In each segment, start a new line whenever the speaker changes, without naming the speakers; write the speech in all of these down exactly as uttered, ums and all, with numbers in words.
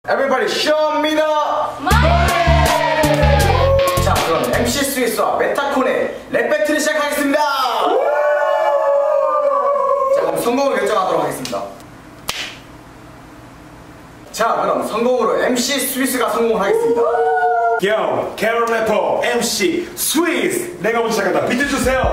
Everybody show me the money! 자, 그럼 엠씨 스위스와 메타콘의 랩 배틀을 시작하겠습니다. 자, 그럼 성공을 결정하도록 하겠습니다. 자, 그럼 성공으로 엠씨 스위스가 성공을 하겠습니다.
Yo, 캐롤 래퍼 엠씨 스위스, 내가 먼저 시작한다. 비트 주세요.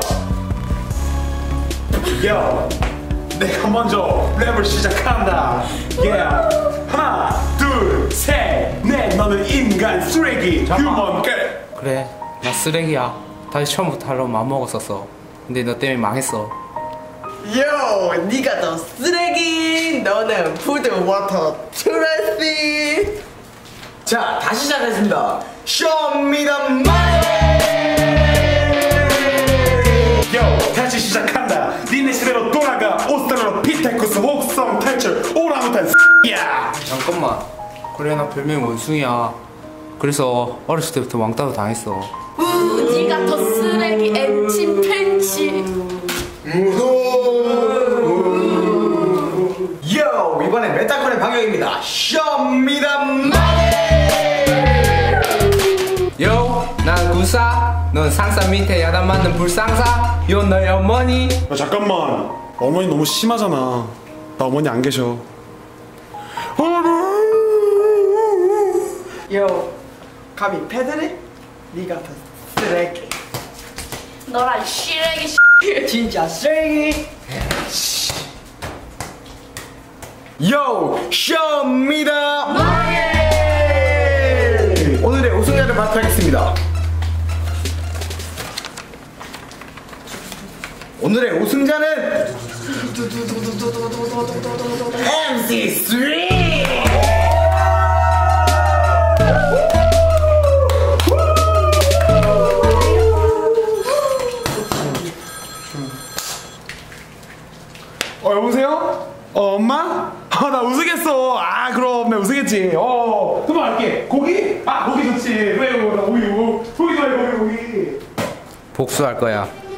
Yo, 내가 먼저 랩을 시작한다. Yeah. 하나, 둘, 셋, 넷. 너는 인간 쓰레기, 휴먼 게.
그래, 나 쓰레기야. 다시 처음부터 하려고 마음먹었었어. 근데 너 때문에 망했어.
요, 니가 더 쓰레기. 너는 푸드 워터 트래시.
자, 다시 시작하겠습니다. Show me the money!
Yo, 다시 시작한다. 니네 시대로 돌아가. 오스트랄로 피테쿠스 혹성 탈출 오랑우탄 야.
잠깐만. 그래, 나 별명이 원숭이야. 그래서 어렸을 때부터 왕따도 당했어.
우, 니가 더 쓰레기 엠치 팬치.
요, 이번엔 메타콘의 방역입니다. Show me the money!
요, 난 구사. 넌 상사 밑에 야단 맞는 불상사. 요, 너의 어머니.
야, 잠깐만. 어머니 너무 심하잖아. 나 어머니 안 계셔.
요, 감히 패드립? 니가 더 쓰레기.
너랑 쓰레기
진짜 쓰레기.
Yo, show me the money! 오늘의 우승자를 발표하겠습니다. 오늘의 우승자는 엠씨 스윗!
어, 여보세요? 어, 엄마? 아, 나 우승했어. 아, 그럼 내가 우승했지. 어, 그만 할게. 고기? 아, 고기 좋지. 왜, 나 우유. 고기 좋아해, 고기, 고기.
복수할 거야.